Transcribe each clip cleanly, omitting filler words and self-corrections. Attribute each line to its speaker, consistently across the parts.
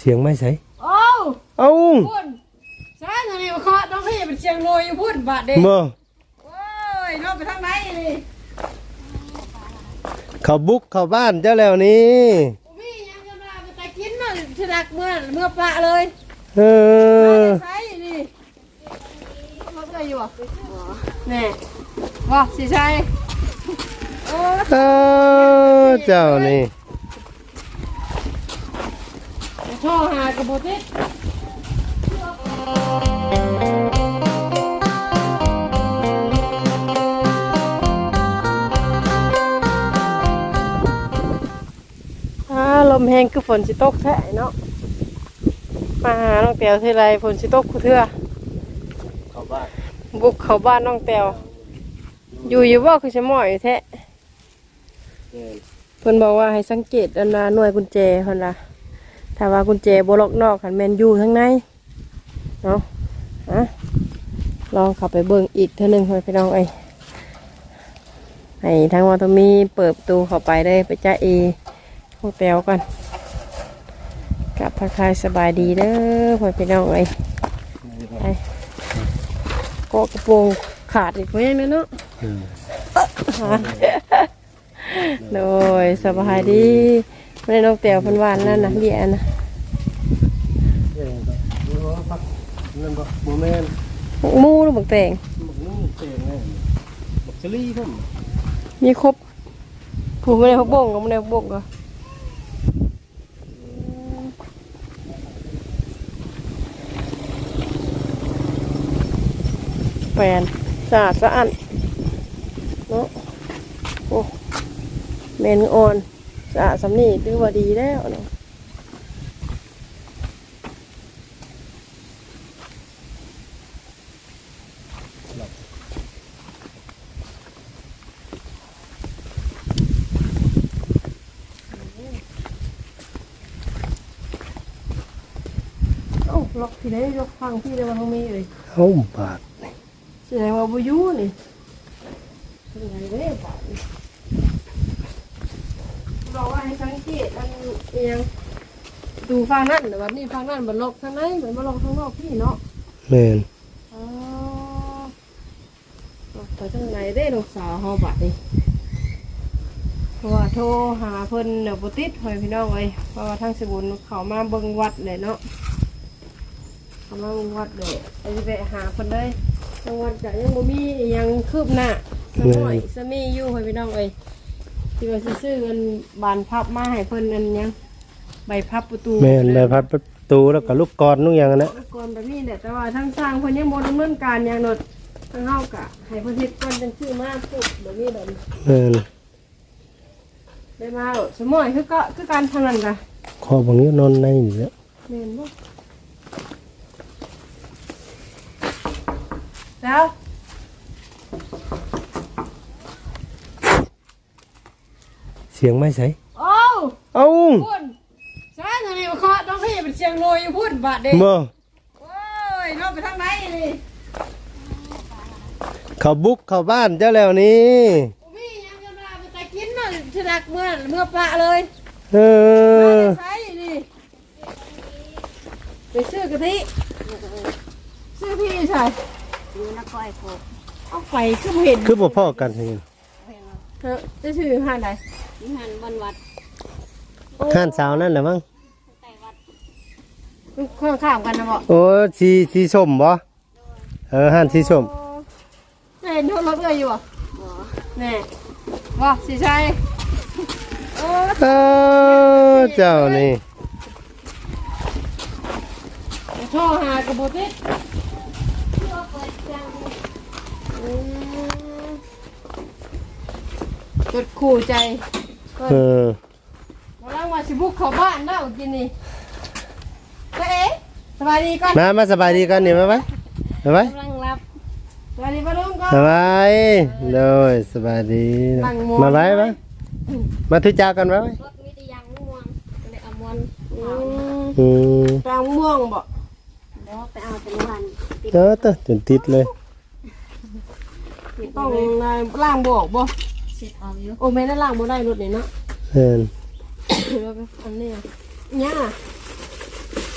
Speaker 1: สียงไม่ใช่
Speaker 2: โอ้
Speaker 1: เอ้า
Speaker 2: พุ่นใช่ทางนี้มาเคาะน้องพี่เป็นเชียงรวยอยู่พุ่นบาดเด็ก
Speaker 1: บ่
Speaker 2: โอ้ยน้องไปทางไหนนี่
Speaker 1: เขาบุกเข้าบ้านเจ้าแล้วนี่
Speaker 2: พี่ยังจะมาไปกินมาฉลักเมื่อปลาเลยใช่นี่เขาเคยอยู่อ่ะแน่ว่าสิใช่โอ้
Speaker 1: เจ้านี่
Speaker 2: ช่อหากระโบติลมแห้งคือฝนสิตกแท้เนาะมาหาน้องแตวทีไรฝนสิตกคือเถื่อ
Speaker 1: เข้าบ้าน
Speaker 2: บุกเข้าบ้านน้องแตวอยู่ว่าคือจะหม้อยแท้เพิ่นบอกว่าให้สังเกตอันหน่วยกุญแจเพิ่นล่ะถ้าว่ากุญแจบ่ล็อกนอกหันแม่นอยู่ข้างในเนาะลองเข้าไปเบิ่งอีกเท่านึงพี่น้องให้ทางว่าต้องมีเปิดประตูเข้าไปได้ไปจ้าเอพวกแตวกันกับทักทายสบายดีเด้อพี่น้องก็กระโปรงขาดอีกเพราะยังนั้นเนาะโดยสบายดีไม่ได้น้องแตวพันวานนั่นนะเบี้ยนะมูหรือบักแตงมีครบผูไม่ได้พกบ่งก็ไม่ได้พกบ่งก็แปลนสะอาดสะอันเนาะโอ้เมนอ่อนสะอาดสำนีถือว่าดีแล้วเนาะล็อกที่ไหนล็อกฟังพี่ได้ว่าต้องมีเลย
Speaker 1: บาท
Speaker 2: แสดงว่าบุยุนี่เป็นไงเด้บาทบอกว่าให้สังเกตอันยังดูฟังนั่นแต่ว่านี่ฟังนั่นมันล็อกทางไหนเหมือนมันล็อกทางนอกพี่เนาะ
Speaker 1: แม่น
Speaker 2: ไปทางไหนได้ลูกสาวเฮาบาทนี่เพราะว่าโทรหาเพิ่นเดี๋ยวบ่ติดให้พี่น้องเพราะว่าทางสบุญเขามาเบิ่งวัดเลยเนาะกำลังวัดเลยไปหาคนเลยจังหวัดจะยังบ่มียังคืบหน้าสมัยสมีอยู่ให้พี่น้องที่ว่าซื้อเงินบานพับมาให้เพิ่นอันยังใบพับประตู
Speaker 1: แม่นใบพับประตูแล้วก็ลูกกรนุ่งอย่างนั้น
Speaker 2: ลูกกรแบบนี้แหละแต่ว่าทั้งสร้างเพิ่นยังบ่ดำเนินการอย่างนดทั้งเฮากะให้เพิ่นเฮ็ดก่อนจังชื่อมาพูดแบบนี้แบบได้มาสมัยคือการทำนั่นกะ
Speaker 1: ขอบางนี้นอนในอยู่แล้ว
Speaker 2: แม่นบ่แล้ว
Speaker 1: เสียงไม่ใช่
Speaker 2: เอ้าพุ่นใช่ทางนี้มาเคาะน้องพี่เป็นเชียงรวยอยู่พุ่นบาดเด็ก
Speaker 1: บ่
Speaker 2: โอ้ยน้องไปทางไหนนี่
Speaker 1: เขาบุกเข้าบ้านเจ้าแล้วนี่
Speaker 2: พี่ยังจะมาไปกินมาฉลักเมื่อปลาเลยใช่นี่ไปซื้อกะทิซื้อพี่ใช่
Speaker 3: อยู่นักก้อยโค
Speaker 2: เอาไฟคือเห็น
Speaker 1: คือบ่พ่อกันเห็น
Speaker 2: จะชื่อห้านไหน
Speaker 3: ห้านวันวัด
Speaker 1: ห้านสาวนั่นแหละมั้ง
Speaker 2: ข้างกันนะบ่
Speaker 1: โอ้สีส้มบ่ห้านสีส้ม
Speaker 2: เห็นรถเลยอยู่อ่ะแน่ว่าสีชัย
Speaker 1: เจ้านี่
Speaker 2: ช่อหากระโบติจุดขู่ใจมาแล้วมาสิบุกเข้าบ้านแล้วกินนี่สบายดีก่อน
Speaker 1: มาสบายดีกันนี่มาไหมกำ
Speaker 2: ลังรับสบายดีป้าลุงก่อน
Speaker 1: สบายเลยสบายดีมาไว้ไหมมาทุจ้ากันไว้
Speaker 3: รถมีแต่ยางม่วงเลยเอาม่วง
Speaker 2: กลางม่วงบ่
Speaker 3: ไปเอาเป็นวัน
Speaker 1: จนติดเลย
Speaker 2: ต้องล่างบอกบ่
Speaker 3: เสร็จเอาอยู่
Speaker 2: โอ้แม่นั่นล่างบ่ได้รถนี่เนาะ
Speaker 1: เห็น
Speaker 2: อันนี้เนี่ย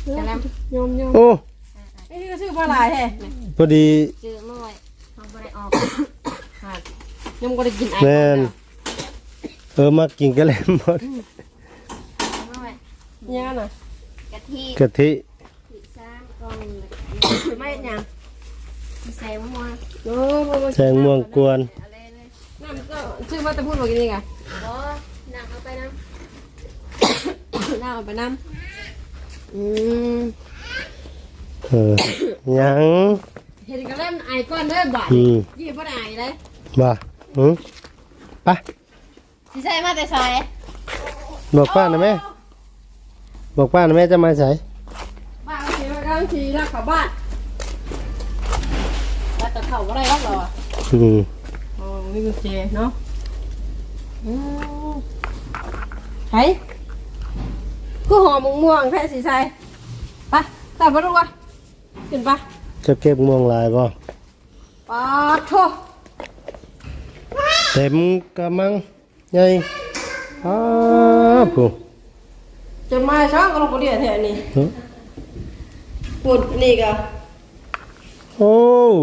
Speaker 3: จะแล้ว
Speaker 2: ยมยม
Speaker 1: โอ้
Speaker 2: ไอ้นี่ก็ชื่อปลาหลายแท้
Speaker 1: พอดี
Speaker 3: จื้อเมื่อไหร่เขาไม่ได้ออก
Speaker 2: ยมก็ได้กินไอ้
Speaker 1: แม่นมากินกันแล้วหมด
Speaker 3: เมื่อไหร่
Speaker 2: เนี่ยน่ะ
Speaker 3: กะทิ
Speaker 1: กะทิ
Speaker 3: สีซ้ำกล่อง
Speaker 2: ไม่ยัง
Speaker 3: ใส่มะม่วง
Speaker 2: โอ้บ่
Speaker 1: แซงม่วงกวน
Speaker 3: อะไรเลย
Speaker 2: น้ำก็ชื่อว่าจะพูดว่ากินนี่ไง
Speaker 3: บ่นางเอาไปนะ
Speaker 2: น้ำเอาไปน้ำ
Speaker 1: ยัง
Speaker 2: เห็นกันเล่นไอ้ก้อนเด้อบาดยี่บ่ได้ไอ้เลย
Speaker 1: บ่ไป
Speaker 3: สิใส่มาแต่ใส่
Speaker 1: บอกป้านะแม่บอกป้านะแม่จะมาใส่
Speaker 2: บ้านก็ขี่มาข้างขี่รักเขาบ้านว่าแต่เขาอะไรรักเราอ่ะอ๋อมีกุญแจเนาะไห้กูหอมม่วงแพ้สีใสไปตัดมาดูวะขึ้นไป
Speaker 1: จะเก็บม่วงลายบ่
Speaker 2: ปาโถ
Speaker 1: เต็มกะมังใหญ่ผู้
Speaker 2: จะมาช้อนก็ลงไปเดียวแถวนี้ปุ่นนี่ก็
Speaker 1: โอ้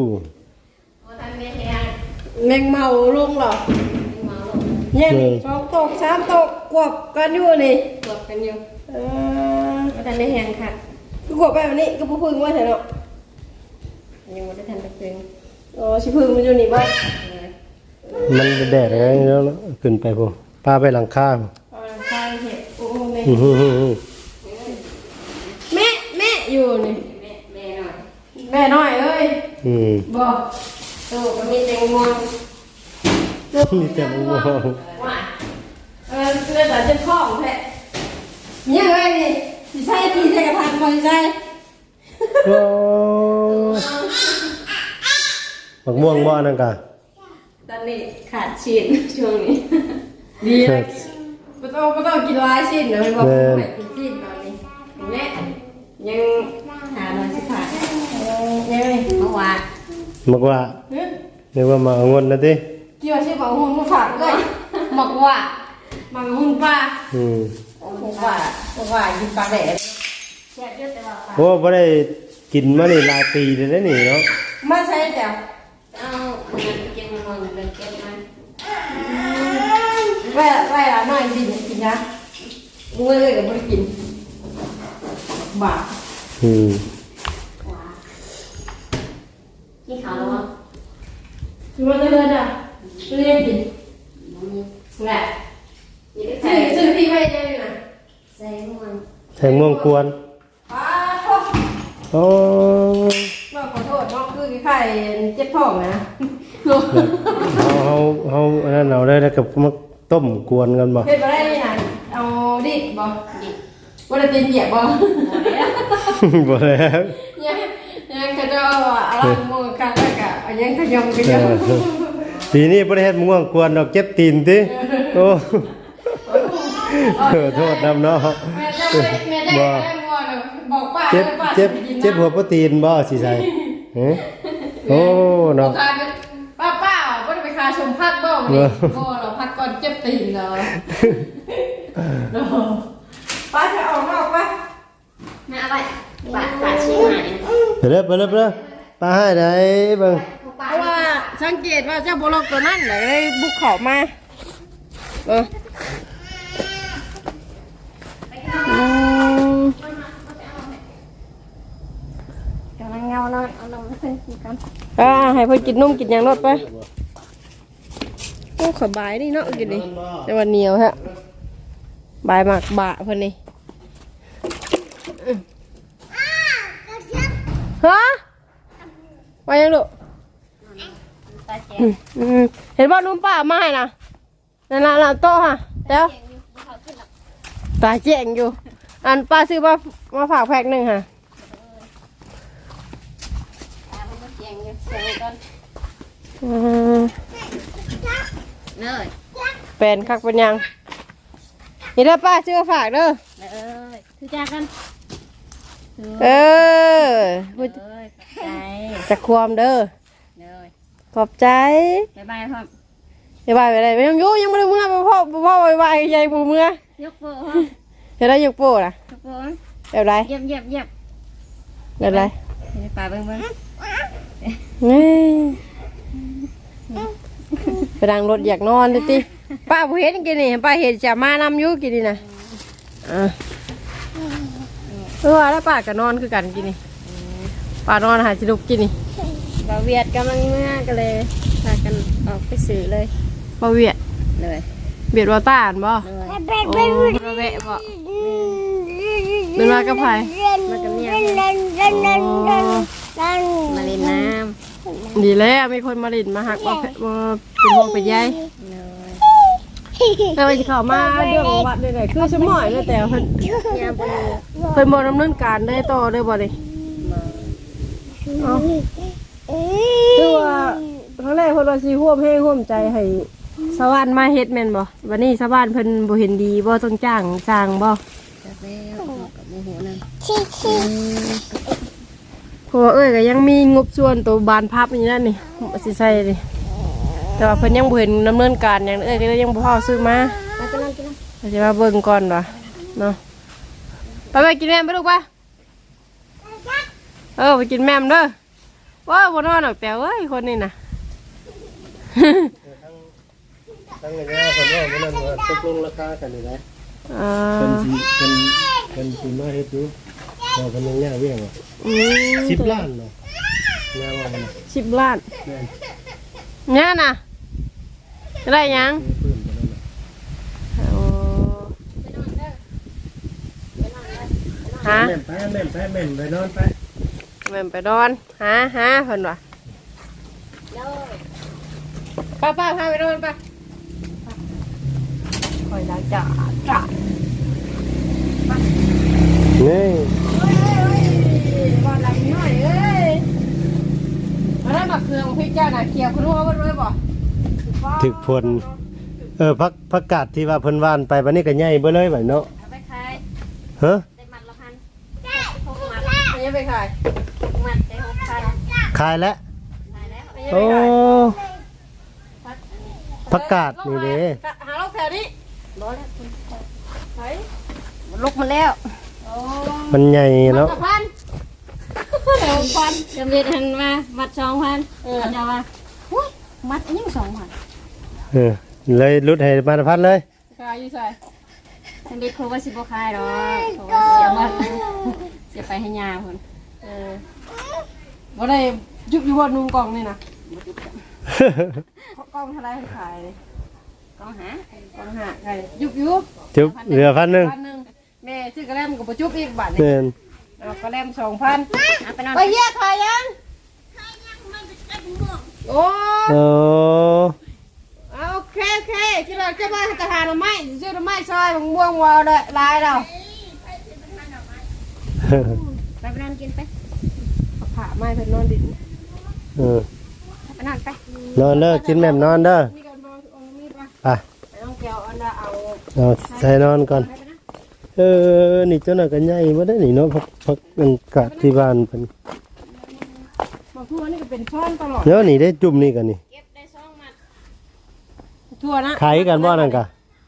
Speaker 2: แมงเมาลงเหรอเนี่ยนี่สองตกสามตกกวบกันอยู่นี่
Speaker 3: กดกันอยู่
Speaker 2: ไม่ทันได้แหงค่ะก็กวบไปแบบนี้ก็พึ่งว่าเถอะเนาะ
Speaker 3: ยังไม่ได้ทันได้เป็น
Speaker 2: อ๋อชิพึ่งมันอยู่นี่บ้าง
Speaker 1: มันแดดอะไรแล้วขึ้นไปผู้ปลาไปหลังคาผู้
Speaker 2: ใช่เห็ดโอ้แม่
Speaker 1: อื้อหือหือหือ
Speaker 2: แม่อยู่นี่
Speaker 3: แม่หน่อย
Speaker 2: แม่น้อยเอ้ย บอก
Speaker 3: ตู้ก็มีแตงโม
Speaker 1: มีแต่ม่วง
Speaker 2: ว่าเรื่องแต่เจ็บท้องแท้เนี่ยเอ้ยนี่สิใช่พี่ใช่กระทานบอลใช่
Speaker 1: โอ้บักม่วงบ่นั่นกะ
Speaker 3: ตอนนี้ขาดชิ้นช่วงนี้
Speaker 2: ดีเลยไม่ต้องกินหลายชิ้นเลยบอกไม่กินชิ้นตอนนี้
Speaker 3: แม่ยังหาหน่อยสิขาด
Speaker 2: ยังไง
Speaker 3: เมื่อวาน
Speaker 1: มักว่านึกว่ามาเอาเงินนะติ
Speaker 2: เกี่ยวชื่อบอกหุ่นมาฝากเลยหมักว่าหมักหุ่นปลา ว่ากินปลาแดด
Speaker 3: แซ่บเยอะแต่ว่า
Speaker 1: โอ้บ่ได้กินมานี่หลายปีเลยนะนี่เนาะ
Speaker 2: มาใช้แต่
Speaker 3: เอามันเก็บมันเป็นเก็บมัน
Speaker 2: แว่ละน้อยจริงกินนะมึงเลยกับไม่กินบา
Speaker 3: ที่เขาแล้ว
Speaker 2: คือมันจะเดินอ่ะไม่ได้กินแหละชื่อพี่ไม่ได้เลยนะ
Speaker 3: ใส่ม่วง
Speaker 1: แทงม่วงกวน
Speaker 2: ป้าโทษ
Speaker 1: โอ้
Speaker 2: น้องขอโทษน้องคือไข่เจ็บท้องนะ
Speaker 1: เฮาอันนั้นเอาได้แล้วกับมาต้มกวนกันบ่
Speaker 2: เฮ็ดมาได้นี่นะเอาดิบ่ดิว่าจะตีเปียกบ่
Speaker 1: บ่แล้ว
Speaker 2: ยังก็จะอะไรมือกันแล้วก็ยังขยม
Speaker 1: ปีนี้บ่ได้เฮ็ดม่วงกวนดอกเจ็บตีนติโอ้โทษนำเนาะ
Speaker 2: แม่ได้บอกป้า
Speaker 1: เจ็บหัวโปรตีนบ่สิใส่โอ้เนาะ
Speaker 2: ป้าบ่ได้ไปคาชมพักบ่นี่บ่เราพักก่อนเจ็บตีนเลยป้าจะออกนอกป่ะ
Speaker 3: แม่เอาไปปาดชิ้นใหม่
Speaker 1: ไปเด้อปลาให้ได้เบิ่ง
Speaker 2: เพราะว่าสังเกตว่าเจ้าโบลอกตัวนั้นเลยบุกเขามา
Speaker 3: กำลังเงาหน่อยเอาลงมาขึ้นกัน
Speaker 2: ให้เพิ่นกินนมกินหยังรถไปโอ้ขบายนี่เนาะกินนี่แต่ว่าเหนียวฮะบายมากบะเพิ่นนี่ฮะว่ายังลูก
Speaker 3: ตาแจ๋
Speaker 2: เห็นบ่นุ่มป้ามาให้นะนั่นล่ะโต๊ะค่ะเดี๋ยวตาแจ้งอยู่อันป้าซื้อมาฝากแพ็คหนึ่งค่ะ
Speaker 3: มันเสียงอยู่เสียงก่อนเนย
Speaker 2: เป็นคักเป็นยังนี่เด้อป้าซื้อมาฝากเด้อ
Speaker 3: ถือจากกัน
Speaker 2: เออ
Speaker 3: ใจ
Speaker 2: จะความเด้อ
Speaker 3: เนย
Speaker 2: ขอบใจ
Speaker 3: บ๊ายบายพ่อ
Speaker 2: บ๊ายบายไปเลยไม่ต้องยุ่งยังไม่ได้เมื่อพ่อบ๊ายบายใหญ่ปูเมื่อย
Speaker 3: กโป้
Speaker 2: เห็นได้ยกโป้ล่ะ
Speaker 3: ยกโป้
Speaker 2: แบบไร
Speaker 3: เยี่ยมเยี่ยมเยี่ยม
Speaker 2: แบบไร
Speaker 3: ให้ป้าเบิ่งเบิ่ง
Speaker 2: ไปดังรถอยากนอนเลยติป้าบ่เห็นกินนี่ป้าเห็นจะมานำอยู่กินนี่นะแล้วป้าก็นอนคือกันกินนี่ป้านอนหาสิลุกกินนี่
Speaker 3: บ่าวเวียดกำลังเมื่อก็เลยพากันออกไปซื้อเลย
Speaker 2: บ่เวียด
Speaker 3: เลย
Speaker 2: เบียดว่าต้านบ่
Speaker 3: เลย
Speaker 2: โอ้บ่แวะบ่เป็นมากับไผ
Speaker 3: มากับเมีย
Speaker 2: อ๋อ
Speaker 3: มาเล่นน้
Speaker 2: ดีแล้วมีคนมาลินมาหักมาเป็นห่วงเป็นใย
Speaker 3: ำเลย
Speaker 2: แต่ว่าสิเข้ามาเรื่องวัดเลยๆคือสมอยเลยแต่เพิ่น
Speaker 3: ยามบ่อยู่
Speaker 2: เพิ่นบ่ดำเนินการได้ต่อได้บ่นี่
Speaker 3: มา
Speaker 2: เอ้าคือว่าครั้งแรกเพิ่นว่าสิร่วมให้ร่วมใจให้ชาวบ้านมาเฮ็ดแม่นบ่วันนี้ชาวบ้านเพิ่นบ่เห็นดีบ่ต้องจ้างสร้างบ่
Speaker 3: จักแล้วกับโมโหนั่น
Speaker 2: เพราะว่าก็ยังมีงบส่วนตัวบานพับอยู่นั่นนี่สิใส่ดิแต่ว่าเพิ่นยังบ่เห็นดำเนินการหยังก็เลยยังบ่พอซื้อมา
Speaker 3: มาไปนั่งกินน้
Speaker 2: เราจะมาเบิ่งก่อนว่ะเนาะไปกินแม่มไปลูกไปไปกินแม่มเด้อว้าวบ่นอนหรอกแต่เอ้ยคนนี้น่ะ
Speaker 1: ทั้งระยะคนว่ามันนั่นว่าตกลงราคากันนี่ได้
Speaker 2: อ่า
Speaker 1: เป็นสิมาเฮ็ดอยู่เราเพิ่นยังย่าเวียงอ่ะ
Speaker 2: อืม
Speaker 1: 10 ล้านเนาะย่าว่ามัน
Speaker 2: 10 ล้าน
Speaker 1: แม่น
Speaker 2: เนี่ยน่ะจะได้หยัง
Speaker 1: เพิ่นกันนั่นน่ะ
Speaker 2: โอ้ฮะ
Speaker 1: แม่นไปไปนอนไป
Speaker 2: แม่มไปนอนหาเพิ่นว่ะป้าพาไปนอนไปคอยล้างจ้า
Speaker 1: นี่
Speaker 2: บอลหลังน้อยเอ้ยมาได้มาเครื่องพี่เจ้าน่ะเกี่ยวคุณรู้ว่าด้วยบ่
Speaker 1: ถึกผลพักกาดที่ว่าเพิ่นว่านไปบัดนี้ก็ใหญ่เบ่เลยบัดเนาะ
Speaker 3: ำเอาไปขาย
Speaker 1: ฮะ
Speaker 3: ได้มัดละพัน6มัด
Speaker 2: อันนี้ไปขาย
Speaker 3: มัดได้6,000
Speaker 1: ขายแล้ว
Speaker 3: ขายแล้ว
Speaker 2: อันนี้
Speaker 1: โอ้
Speaker 2: ไปขาย
Speaker 1: พักกาดนี่เด้
Speaker 2: หาลูกแถวนี้
Speaker 3: บ่แล้วคุณ
Speaker 2: ไป
Speaker 3: ลุกมาแล้ว
Speaker 2: โอ้
Speaker 1: มันใหญ่เนาะ
Speaker 2: พันเดี๋ยวพัน
Speaker 3: จำเรียนหันมามัด2,000เขาจะว่าหุ้ยมัดอันนี้2,000
Speaker 1: เออเลยรุดให้มาพัดเลย
Speaker 2: ขายอยู่ใส่
Speaker 3: จำเรียนครูว่าสิบ่ขายหรอกเพราะว่าเสียมัดเสียไปให้ยาพุ่น
Speaker 2: บ่ได้ยุบอยู่บนนุ่งกล่องนี่นะกล่องเท่าไรขายเลย
Speaker 3: ก็หาก
Speaker 2: ล่องหาขายยุบอยู่
Speaker 1: จุบเหลือ1,000
Speaker 2: พันหนึ่งแม่ซื้อกระแลมกับประจุบอีกบาทนี่
Speaker 1: แม่น
Speaker 2: เอากระแลม2,000
Speaker 3: เอาไปนอน
Speaker 2: ไปเยี่ยขายยังโอ้
Speaker 1: โอ้
Speaker 2: โอเคที่เราจะมาตะหาหน่อไม้ซื้อหน่อไม้ซอยมะม่วงวาวเลยลายเรา
Speaker 3: ไปนอนกินไป
Speaker 2: ผ่าไม้เพิ่นนอนดิน
Speaker 1: เออ
Speaker 3: ไปนอนไป
Speaker 1: นอนเด้อกินแม่มนอนเด้อ
Speaker 2: มีกันนอนตรงนี้ปะ
Speaker 1: ไป
Speaker 2: ไปต้องแก้วอันน่ะเอา
Speaker 1: เอาใส่นอนก่อนนี่เจ้าน่ะก็ใหญ่บ่ได้นี่เนาะพักมันกะที่บ้านเพิ่น
Speaker 2: มาทั่วนี่ก็เป็นช้อนตลอด
Speaker 1: เดี๋ยวนี่ได้จุ่มนี่กันนี่
Speaker 3: เก็บได้2มัด
Speaker 2: ทั่วนะ
Speaker 1: ขายกันบ่นั่นกะ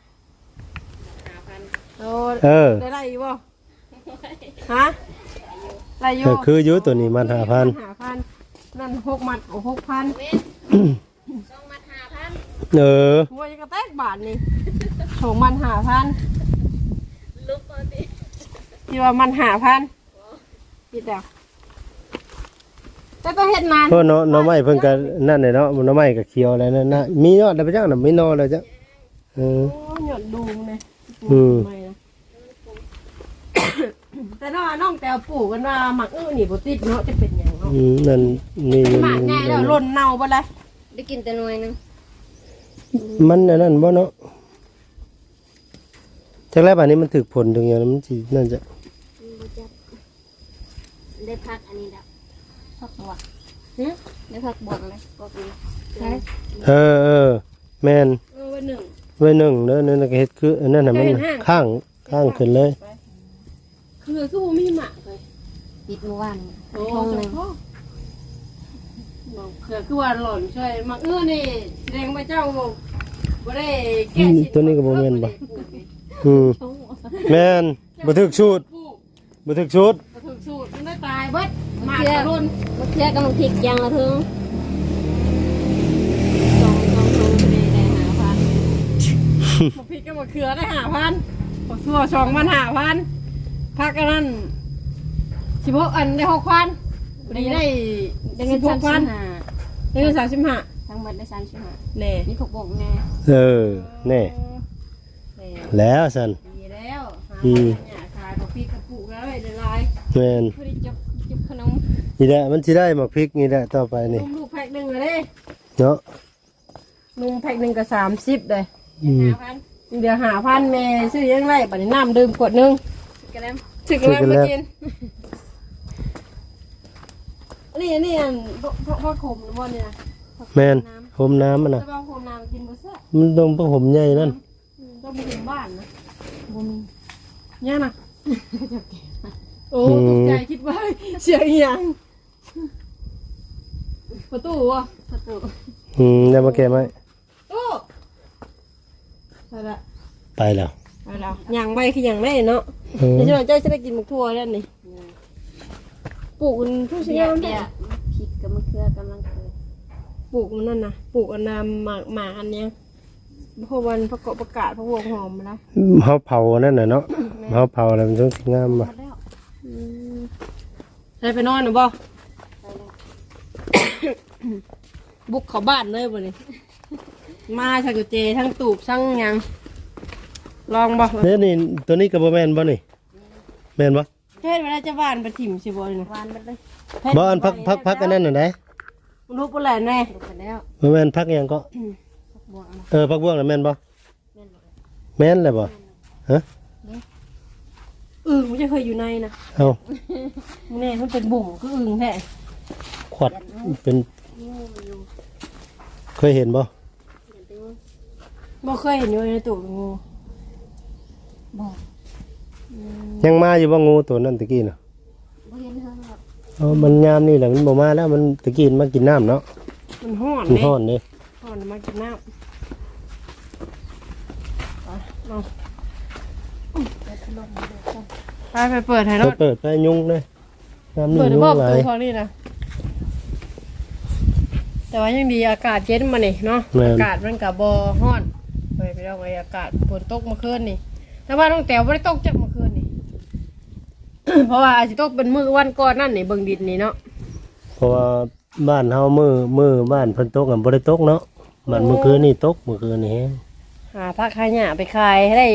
Speaker 3: 5,000
Speaker 2: โอ้
Speaker 1: เออ
Speaker 2: ได้ไรอยู่บ่ฮะไรอยู่
Speaker 1: ก็คืออยู่ตัวนี้มัน5,000
Speaker 2: 5,000นั่น6มัดโอ้6,000
Speaker 3: เว้น2มัด5,000
Speaker 1: เออ
Speaker 2: หัวยังกระแตกบาทนี่2มัน5,000
Speaker 3: ลุกมาดิ
Speaker 2: ที่ว่ามัน5,000พี่แต่ต้องเฮ็ดนาน
Speaker 1: เพราะเนาะหน่อไม้เพิ่นก็นั่นแหละเนาะหน่อไม้ก็เขียวแล้วนั่นน่ะมียอดแล้วไปจังน่ะมีหนอแล้วจ้ะเออ
Speaker 2: โอ้หยดดูเลย
Speaker 1: อืม
Speaker 2: ไม่นะ แต่น้องแตวปลูกกันว่าหมักนี่บ่ติดเนาะจะเป็นหยังเนาะ
Speaker 1: นั่นนี่
Speaker 2: หมักง่ายแล้วหล่นเน่าบ่เลย
Speaker 3: ได้กินแต่หน่วยนึง
Speaker 1: มันอันนั้นบ่เนาะจักแล้วบัดนี้มันถึกผลถึงอย่างนั้นมันสินั่นจะ
Speaker 3: ได้พักอันนี้แล้วพักบวกได้พักบวกเลยบวกนี้
Speaker 2: ใช่
Speaker 1: เออแม่น
Speaker 2: ไว้หนึ่ง
Speaker 1: ไว้หนึ่งเด้อนั่นน่ะก็เฮ็ดคืออันนั้นน่ะมันข้างขึ้นเลย
Speaker 2: คือบ่มีหมักเลย
Speaker 3: ปิดเมื่อวาน
Speaker 2: โอ้
Speaker 3: ทงหนึ่ง
Speaker 2: คือว่าหล่นช่วยหมักนี่แสดงว่าเจ้าบ่ได้แก้
Speaker 1: ตัวนี้ก็บ่แม่นบ่อืมแม่นบ่ถึกสูตรบ่ถึกชุด
Speaker 2: บ่ถึกสูตรมันได้ตายเบิดมากกระรุ่น
Speaker 3: มะเขือกับมังพริกอย่างละถึง2ถุงได้5,000
Speaker 2: บ่พริกก็บ่เขือได้5,000บ่ซั่ว2,000 5,000พักอันนั้น16อันได้6,000นี่ได้
Speaker 3: เงิน
Speaker 2: 16,000
Speaker 3: 35
Speaker 2: ได้เงิน35
Speaker 3: ทั้งหมดได้35
Speaker 2: แน่
Speaker 3: นี่ถูกบ่งแน่
Speaker 1: เออแน่
Speaker 2: แน่
Speaker 1: แล้วซั่น
Speaker 2: ดีแล้วหา
Speaker 1: อืม
Speaker 2: เนี่ยขายบ่พริกกระปุกแล้วได้หลาย
Speaker 1: แม่น
Speaker 3: พอดีจุบขนม
Speaker 1: นี่แหละมันสิได้หมักพริกนี่แหละต่อไปนี่
Speaker 2: นุ่มลูกแพ็คหนึงเลย
Speaker 1: เนาะ
Speaker 2: นุ่มแพ็คหนึงก็30เลย
Speaker 1: อืม
Speaker 3: 5,000
Speaker 2: เดี๋ยว5,000แม่ซื้อยังไงบัดนี้น้ำดื่มขวดหนึง
Speaker 3: กระเลม
Speaker 2: ถึกแล้วมากินอันนี้อันพ่อขมหรือว่าเนี่ยนะ
Speaker 1: แม่นห่มน้ำมันน่ะ
Speaker 2: จะเอาขมน้ำกินบ่แซ่บ
Speaker 1: มันต้องผ้าห่มใหญ่นั่น
Speaker 2: ต้องไปถึงบ้านนะ
Speaker 3: บ่มี
Speaker 2: ย่านะโอ้ตกใจคิดว่าเสียงอีหยังประตูวะ
Speaker 3: ประตู
Speaker 1: ได้มาแก้ไหม
Speaker 2: ตู้ไปละ
Speaker 1: ไปแล้ว
Speaker 2: ไปแล้วอย่างใบคืออย่างไรเนาะ
Speaker 1: เออ
Speaker 2: เดี๋ยวฉันจะได้กินหมกทั่วแล้วนี่ปลูกมันทุกสิ่ง
Speaker 3: เดี๋
Speaker 2: อย ย่าง
Speaker 3: เดี๋ยวพริกกับมะเขือกำลังเกิด
Speaker 2: ปลูกมันนั่นนะปลูกอันนำหมาอันเนี้ยพวกวันประกอบประกาศพวกวงหอมมาแล้ว
Speaker 1: เฮาเผานั่นน่ะเนาะเฮาเผาแล้วมันต้องสิงาม
Speaker 3: หม
Speaker 1: บ่
Speaker 3: ดแล้ว
Speaker 2: ได้ไปนอนหรือบ่
Speaker 3: ไปแล้ว
Speaker 2: บุกเขาบ้านเลยบ่นี่มาชักกุเจทั้งตูบทั้งหยังลองบ่
Speaker 1: เด้นี่ตัวนี้ก็บ่แม่นบ่นี่แม่นบ่
Speaker 2: เฮ็ดเวลาจะบ้านไปถิ่มสิบ่นี่
Speaker 3: หวานหมดเลย
Speaker 1: บ่อันพักอันนั้นน่ะได้
Speaker 2: มันรู้ปานแหละแน่
Speaker 3: ลงไปแล้ว
Speaker 1: บ่แม่นพักหยังก็
Speaker 3: บวกเอา
Speaker 1: พักบ่วงน่ะแม่นบ่
Speaker 3: แม่นหมดเลย
Speaker 1: แม่นแหละบ่ฮะ
Speaker 2: มันจะเคยอยู่ในนะ
Speaker 1: เอ้า
Speaker 2: มึงแน่มันเป็นบุ่มคืออึ่งแท้
Speaker 1: ขวดเป็น
Speaker 3: งูมันอยู่
Speaker 1: เคยเห็นบ่
Speaker 3: เดี๋ยวไปงู
Speaker 2: บ่เคยเห็นอยู่ในตู้งู
Speaker 3: บอก
Speaker 1: ยังมาอยู่บ่งูตัวนั้นตะกี้น่ะ
Speaker 3: บ่เห็นเฮาหรอก
Speaker 1: อ๋อมันยามนี่แหละมันบ่มาแล้วมันตะกี้มันมากินน้ำเนาะ
Speaker 2: มันห้อน
Speaker 1: มัน
Speaker 2: เด้
Speaker 1: ฮ้อนเด้
Speaker 2: ห้อนมากินน้ำไปเอา
Speaker 3: ไปขนมมาเดี๋ยวก่อน
Speaker 2: ไปเปิดให้รถ
Speaker 1: เปิดไปยุงเลยน้ำนี่
Speaker 2: เปิด
Speaker 1: ยุง
Speaker 2: บ่ป
Speaker 1: ห
Speaker 2: ระ
Speaker 1: ลา
Speaker 2: ตู
Speaker 1: ย
Speaker 2: ของนี่นะแต่ว่ายังดีอากาศเย็นมานี่เนาะ
Speaker 1: แม่น
Speaker 2: อากาศมันกับบฮ้อนไปเอาไว้อากาศฝนตกเมื่อคืนนี่แต่ว่าน้องแต๋วไม่ได้ตกจากเมื่อคืนนี่ เพราะว่าอาจจะตกเป็นมื้อวันก่อนนั่นนี่เบิ่งดินนี่เนาะ
Speaker 1: เพราะว่าบ้านเฮามือบ้านเพิ่นตกกันบ่ได้ตกเนาะบ้านเมื่อคืนนี่ตกเมื่อคืนนี่แฮง
Speaker 2: หาผักขายหญ้าไปขายให้ได้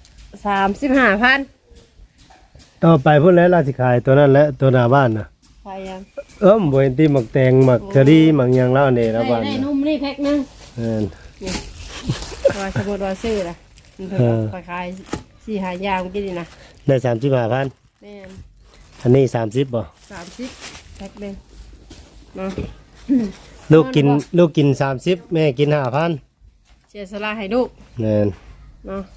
Speaker 2: 35,000
Speaker 1: ต่อไปพุ่นแล้วราสิขายตัวนั้นแหละตัวหน้าบ้านน่ะ
Speaker 2: ขายยัง
Speaker 1: บ่เห็นที่หมักแตงหมักกะดีหมักหยังแล้วอันนี้หน้าบ้าน
Speaker 2: ได้
Speaker 1: น่ะ
Speaker 2: นุ่มนี่แพ็คนึง
Speaker 1: แม่น
Speaker 2: ว่าสมมติว่าซื้อล่ะมันเพิ่นขาย4-5อย่างเมื่อกี้นี่นะ
Speaker 1: ได้35,000
Speaker 2: แม่น
Speaker 1: อันนี้30บ่
Speaker 2: 30แพ็คนึงเนาะ
Speaker 1: ลูกกิน30แม่กิน5,000
Speaker 2: เสียสละให้ลูก
Speaker 1: แม่น
Speaker 2: เนาะ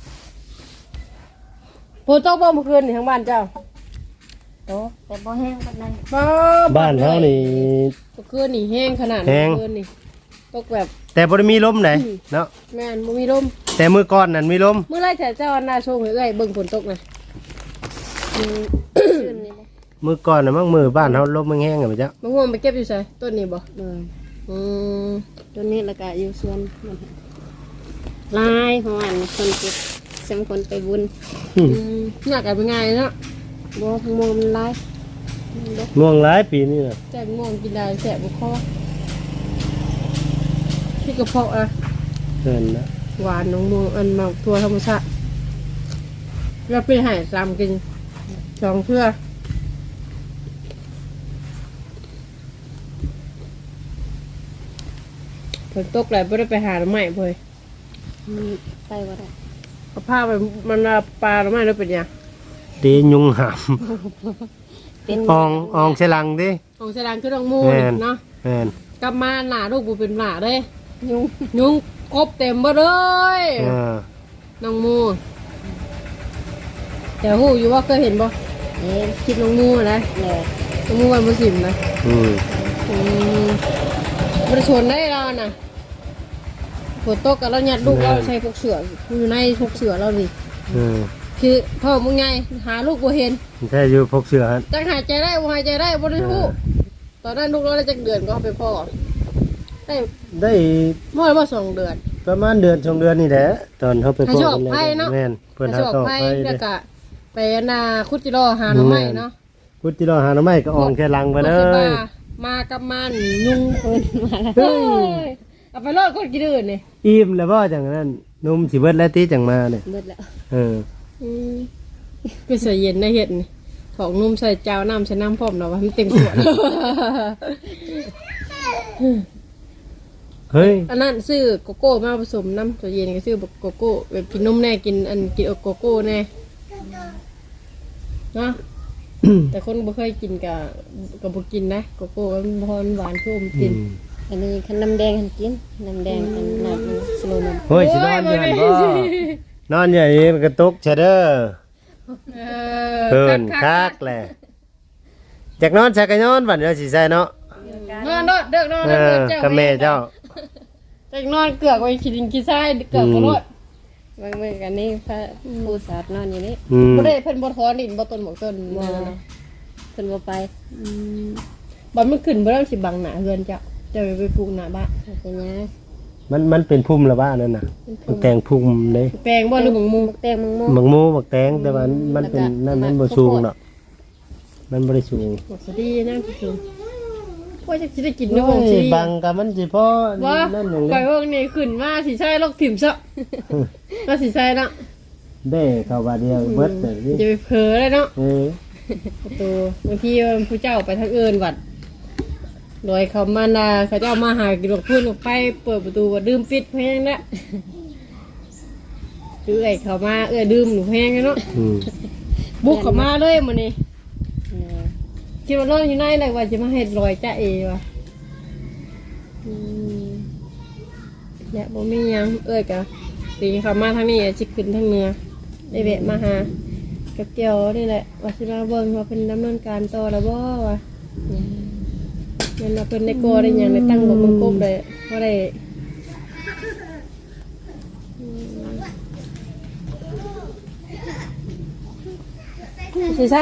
Speaker 2: ปูโต๊ะบ่เมื่อคืนนี่ทั้งบ้านเจ้า
Speaker 3: โตแต่บ่แห้งปานใด
Speaker 1: บ้านเฮานี่
Speaker 2: เมื่อคืนนี่แห้งขนาด
Speaker 1: แห้ง
Speaker 2: เมื่อคืนนี่ตกแบบ
Speaker 1: แต่บ่ได้มีลมไหนเนาะ
Speaker 2: แม่นบ่มีลม
Speaker 1: แต่มื้อก่อนนั่นมีลม
Speaker 2: เมื่อไรแต่เจ้าอันน่าโชว์ให้เอ้ยเบิ่งฝนตกน่ะ
Speaker 3: ชื่นนี่บ่
Speaker 1: มื้อก่อนน่ะมั่งมื้อบ้านเฮาลมมันแห้งอ่ะบ่จ๊ะ
Speaker 2: มะม่วงไปเก็บอยู่ไสต้นนี้บ่
Speaker 3: เลย
Speaker 2: อืม
Speaker 3: ตัวนี้แล้วก็อยู่สวนมันลายของอันคนเก็บสมคนไปบุญ
Speaker 2: อยากกันเป็นไงเนาะ
Speaker 3: บ่ทั้งหมดมันลาย
Speaker 1: ม่วงหลายปีนี่น่ะ
Speaker 2: แต่ม่วงกินได้แสบบุคอที่กระเพาะอะ
Speaker 1: เพิ่นนะ
Speaker 2: หวานน้องม่วงอันมาทัวธรรมชาติแล้วไปหายซ้ำกินสองเพื่อฝนตกแล้วไม่ได้ไปหาหน่อไม้เพื่อ
Speaker 3: มันไปบ่ได้
Speaker 2: เอาผ้าไปมันเอาปลาหน่อไม้แล้วเป็นยัง
Speaker 1: ดียุงหาม
Speaker 3: เป็น
Speaker 1: อองใส่ลังดิ
Speaker 2: ของแสดงคือน้องมู
Speaker 1: แม่น
Speaker 2: เนาะ
Speaker 1: แม่น
Speaker 2: กลับมาหนาลูกบูเป็นหนาเลยยุงกบเต็มหมดเลย น้องมูแต่หูอยู่ว่าเคยเห็นบ่
Speaker 3: เอ๊ะ
Speaker 2: คลิปน้องมูนะ
Speaker 3: เลย
Speaker 2: น้องมูวันมุสิมนะ
Speaker 1: อืม
Speaker 2: มันชวนได้เราน่ะฝนตกกับเราหยัดลูกเราใช้พวกเสืออยู่ในพวกเสือเราดิ
Speaker 1: อืม
Speaker 2: คือพ่อมึงไงหาลูกบ่เห็น
Speaker 1: แท้อยู่พกเสื้อหั่น
Speaker 2: จังหายใจได้บ่หายใจได้บ่ได้ฮู้ตอนนั้นลูกเราได้จักเดือนก็เอาไปพ่อได้
Speaker 1: ได้
Speaker 2: บ่ได้บ่2เดือน
Speaker 1: ประมาณเดือน2เดือนนี่แหละตอนเฮาไป
Speaker 2: ให้
Speaker 1: พบ
Speaker 2: โชค
Speaker 1: กัน
Speaker 2: ภัยเนาะ
Speaker 1: แม่นเพิ่นหา
Speaker 2: โชค
Speaker 1: ต่อ
Speaker 2: ภัย
Speaker 1: ไป
Speaker 2: แล้ว
Speaker 1: เด้
Speaker 2: ก็ไปนาคุดจิโร่หาหน่อไม้เนาะ
Speaker 1: พุทธิรอหาหน่อไม้ก็อองแค่ลังไปเล
Speaker 2: พวกสิ
Speaker 1: ย
Speaker 2: บ้ามากับมันยุง
Speaker 3: เพิ่นมาแล้ว
Speaker 2: เฮ้ยเอาไปรอดคนกินอื่นนี่
Speaker 1: อิ่มแล้วบ่จังนั้นนุ่มสิเบิดแล้วติจังมาเนี่ย
Speaker 3: เบิดแล้ว
Speaker 1: เออ
Speaker 2: ก็ใส่เย็นได้เห็ดนี่ของนุ่มใส่เจ้าน้ำใส่น้ำพร้อมเนาะว่ามันเต็มขวด
Speaker 1: เฮ้ย
Speaker 2: อันนั้นซื้อโกโก้มาผสมน้ำตัวเย็นก็ซื้อโกโก้แบบกินนมแน่กินกินโกโก้แน่เนาะ แต่คนบ่เคยกินกับบ่กินนะโกโก้มันพรหวานชุ่มกิน
Speaker 3: อันนี้คันน้ำแดงคันกินน้ำแดงอันน้ำสโลมัน
Speaker 1: เฮ้ยสินอนอยู่หั่นบ่นอนอยู่นี่มันก็ตกเชเด้อเพิ่นคักแหละจากนอนชักก็นอนบัดเดี๋ยวสิใส่เนาะ
Speaker 2: นอนเด้อนอน
Speaker 1: เอ
Speaker 2: เด้อ
Speaker 1: อ
Speaker 2: เจ้า
Speaker 1: กับแม่เจ้า
Speaker 2: จากนอนเกือกไว้ขี้ดินขี้ทรายเกือกก็รอด
Speaker 3: บางมื้อกันนี่พระผู้สาดนอนอยู่นี่
Speaker 1: อืม
Speaker 2: บ่ได้เพิ่นบ่ถอนดินบ่ต้นหมกต้น
Speaker 3: บ่
Speaker 2: นั่นน่ะ
Speaker 3: เพิ่นบ่ไป
Speaker 2: บ่มันขึ้นบ่ได้สิบังหน้าเฮือนเจ้าเจ้าไปปลูกหน้าบ้าน
Speaker 3: เป็นหยัง
Speaker 1: มันเป็นพุ่มละบ้านั่นน่ะมันแต่งพุ่มเด้
Speaker 2: แปลงบ่หรือบังมุง
Speaker 3: บักแตงมังโม
Speaker 1: บักหมูบักแตงแต่ว่ามันเป็นนั่นมันบ่สูงเนาะมันบ่ได้สูง
Speaker 2: หมกสดีนะพี่ชมว่าจะสิได้กินด้วยบ่สิ
Speaker 1: บังกับมันสิพอ
Speaker 2: ว่า
Speaker 1: นั่นหนึ่ง
Speaker 2: ไปพวกนี้ขึ้นมาสิใช่โรคถิ่มซะก็สิใช่เนาะ
Speaker 1: เด้เข้าบาดเดียวเบิดแต่นี่
Speaker 2: จะไปเผลอเลยเนาะ
Speaker 1: เออ
Speaker 2: ประตูบางทีผู้เจ้าไปทางอื่นวัดโดยเขามานาเขาเจ้ามาหากินหลบพื้นออกไปเปิดประตูว่าดื่มปิดเพลงละคือไอ้เขามาดื่มหนูเพลงเนาะ
Speaker 1: อืม
Speaker 2: บุกเขามาเลยมื้อนี้
Speaker 3: เออ
Speaker 2: คิดว่านอนอยู่ในเลยว่าจะมาเฮ็ดรอยจ้าเอวะเนี่ยบ่มีหยังกะปีเขามาทางนี้สิขึ้นทางเหนือได้แวะมาหากับเกี่ยวนี่แหละว่าสิมาเบิ่งว่าเพิ่นดำเนินการต่อแล้วบ่ว่าแม่นว่าเพิ่นได้ก่อได้หยังได้ตั้งบ่กบได้บ่ได้สิใช่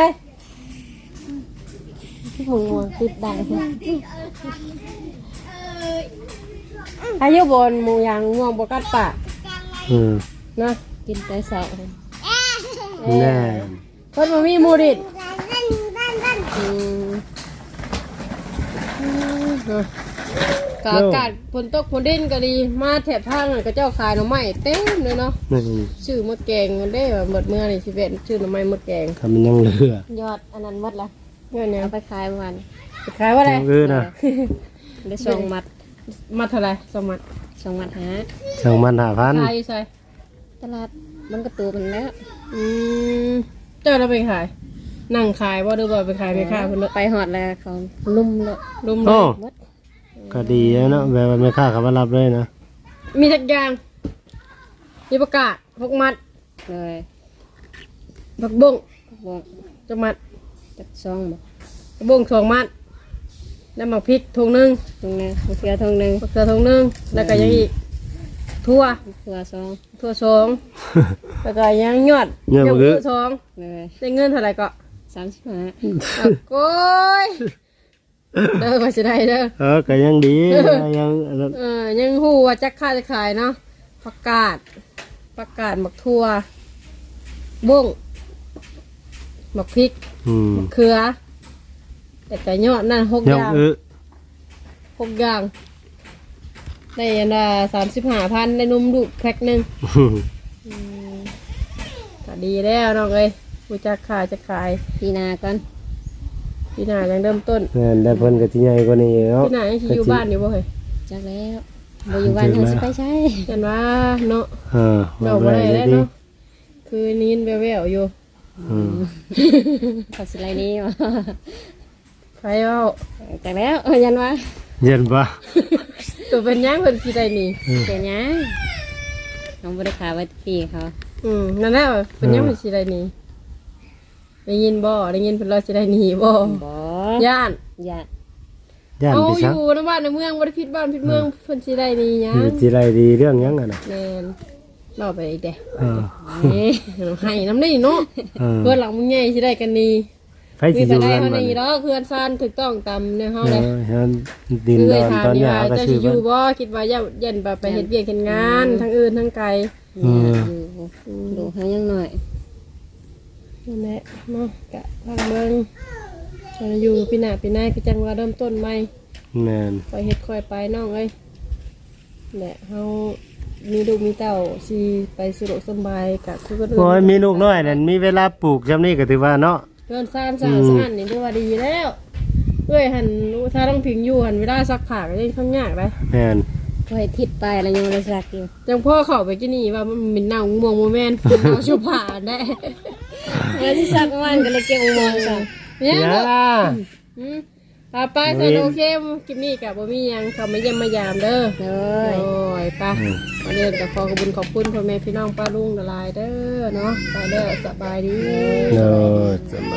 Speaker 3: มึงม่วงติดดัง
Speaker 2: อายุบนหมูยางง่วงบกัดปาก
Speaker 1: อืม
Speaker 2: นะ
Speaker 3: กินแต่เช้า
Speaker 1: แน่
Speaker 2: เพิ่นบ่มีหมูดิดกอากาศฝนตกฝนดินก็ดีมาแถบภาคนั้นก็เจ้าขายหน่อไม้เต็มเลยเนาะ
Speaker 1: นี่
Speaker 2: ชื่อมดแกงมันได้หมดเมื่อนี่สิเป็นชื่อหน่อไม้มดแกง
Speaker 1: ทำมันยังเหลือย
Speaker 3: อดอันนั้นหมดละ
Speaker 2: เงี้ยเนี่ย
Speaker 3: เอาไปขายเมื่อวาน
Speaker 2: ขายว่าอะไร
Speaker 1: เออนะ
Speaker 3: ได้ส่งมัด
Speaker 2: มาเท่าไหร่สมัคร
Speaker 3: ส่งมัดหา
Speaker 1: ช่างมัน5,000
Speaker 2: ขายอยู่ใส่
Speaker 3: ตลาดมันก็ตัวมันแล้ว
Speaker 2: อืมเจ้าเราไปขายนั่งขายว่าหรือว่าไปขายไปขายคนละ
Speaker 3: ไปหอดแล้วเขาลุ่มเลย
Speaker 2: รุมเล
Speaker 1: โอ้
Speaker 2: ย
Speaker 3: หมด
Speaker 1: ก็ดีแล้วเนาะแบบว่าไม่ค่าเขามารับเลยนะ
Speaker 2: มีจักอย่างมีประกาศพกมัด
Speaker 3: เลย
Speaker 2: ผักบุ้ง
Speaker 3: บอก
Speaker 2: จักมัด
Speaker 3: จักซองบอก
Speaker 2: ผักบุ้ง2 มัดน้ำหมักพริกถุงหนึง
Speaker 3: ตรงนึงมะเขือตรงนึง
Speaker 2: มะเขือถุงหนึงแล้วก็ยังอีกทั่ว
Speaker 3: ตัวซอง
Speaker 2: ทั่ว2แล้วก็ยังยอด
Speaker 1: เงี้ย
Speaker 2: ยอ
Speaker 1: บ่
Speaker 2: ด
Speaker 1: คือ
Speaker 2: สอง
Speaker 3: เลย
Speaker 2: ได้เงินเท่าไหร่ก็
Speaker 3: 35
Speaker 2: อ่ะโก้ยเด้อว่าสิได้เด้อ
Speaker 1: ก็ยังดียังอันนั้น
Speaker 2: ยังฮู้ว่าจักค่าจะขายเนาะประกาศหมักทั่วบุ้งหมักพริก
Speaker 1: อืม
Speaker 2: เขือแต่ก็ยอดนั่น6
Speaker 1: ยั
Speaker 2: อง ย่าง6 อย่างได้อันละ35,000ได้นมลูกแพ็คหนึงก็ดีแล้วน้องเอ้ยผู้จักขายจะขาย
Speaker 3: ปีหนาก่อน
Speaker 2: พี่หน้ายังเริ่มต้น
Speaker 1: แม่นได้เพิ่นก็สิใหญ่กว่านี้เนาะ
Speaker 2: พี่หน้ายังสิอยู่บ้านอยู่บ่เฮ้ย
Speaker 3: จักแล้วบ่อยู่บ้านเฮาสิไปใช้
Speaker 2: ยันว่าเนาะ
Speaker 1: ว่า
Speaker 2: เราบ่
Speaker 1: บ่
Speaker 2: ได้
Speaker 1: ได้
Speaker 2: แล้ว
Speaker 1: ดี
Speaker 2: เนาะคือนี้แววๆอยู่
Speaker 1: อืม
Speaker 3: เขาสิไรนี้วะ
Speaker 2: ใครเอา
Speaker 3: จักแล้วยันว่า
Speaker 1: เย็นบ่
Speaker 2: ตัวเป็นหยังเพิ่นสิได้หนี่
Speaker 3: เป็นหยังน้องบ่ได้ขายไว้พี่เขา
Speaker 2: นั่นแหละเป็นหยังเพิ่นสิได้หนี่ได้ยินบ่ได้ยินเพิ่นเราสิได้หนี่บ่
Speaker 3: บ่
Speaker 2: ย่าน
Speaker 3: อย่า
Speaker 1: ย่าน
Speaker 2: เอา
Speaker 1: ไป
Speaker 2: อ
Speaker 1: ซัก
Speaker 2: ยู่ในบ้านในเมืองบ่ได้ผิดบ้านผิดเมืองเพิ่นสิได้หนี่หยัง
Speaker 1: สิไรดีเรื่องหยังอ่ะน่ะ
Speaker 2: แม่นเล่าไปอีกเด้
Speaker 1: เออ
Speaker 2: ให้น้ำนี่เนาะ
Speaker 1: เออ
Speaker 2: เพื่อนหลังมึงใหญ่สิได้กันนี่
Speaker 1: ไผ
Speaker 2: มี
Speaker 1: สิอ
Speaker 2: ไป
Speaker 1: ยู่
Speaker 2: ได้
Speaker 1: กัน
Speaker 2: เท่า
Speaker 1: บัด
Speaker 2: นี้
Speaker 1: นี้
Speaker 2: ดอกเพื่อนซานถูกต้องตามในเฮา
Speaker 1: เอ
Speaker 2: เลย
Speaker 1: อเฮาดินดอนตอนหญ้าก็
Speaker 2: เจ้า
Speaker 1: ชื่
Speaker 2: สิ
Speaker 1: อ
Speaker 2: อ
Speaker 1: เพิ่น
Speaker 2: ยู่บ่คิดว่าเย็นไปเฮ็ดเวียกเฮ็ดงานทั้งอื่นทั้งไกล
Speaker 1: อืม
Speaker 3: ดูให้ยังหน่อย
Speaker 2: นั่นแหละเนาะกะทางเมืองอยู่ปีหน้าปีหน้าก็จังว่าเริ่มต้นใหม่
Speaker 1: แม่น
Speaker 2: ไปเฮ็ดค่อยไปน้องเอ้ยแหละเฮามีลูกมีเต้าสิไปสะดวกสบายกะคือคนอื่น
Speaker 1: โอ้ยมีลูกน้อยนั่นมีเวลาปลูกจำนี้ก็ถือว่าเนาะ
Speaker 2: เพื่อนซ่านสาวสานนี่ถือว่าดีแล้วเอ้ยหันถ้าต้องพิงอยู่หันเวลาซักผ้าก็ยังค่อนยากเลย
Speaker 1: แม่น
Speaker 3: ก็ให้ทิศไปแล้วยังเลยสักอยู่
Speaker 2: จังพ่อเข้าไปกินนี่ว่ามันเป็นเน่าม่วงโมแมนเป็นเน่าชุบผ้าได้
Speaker 3: แล้วที่สักมันก็เลยเก็บมองซะ
Speaker 2: เนี่ย
Speaker 1: ยา
Speaker 2: เนาะไปใส่โอเคคลิปนี้กับบ่มีหยังเขามาเยี่ยมมายามเด้อ
Speaker 3: เล
Speaker 2: โอ้
Speaker 3: ย
Speaker 2: ยไปวันนี้ก็ขอขอบคุณขอบคุณพ่อแม่พี่น้องป้าลุงละลายเด้อเนาะไปเด้อสบายดี
Speaker 1: เนาะสบาย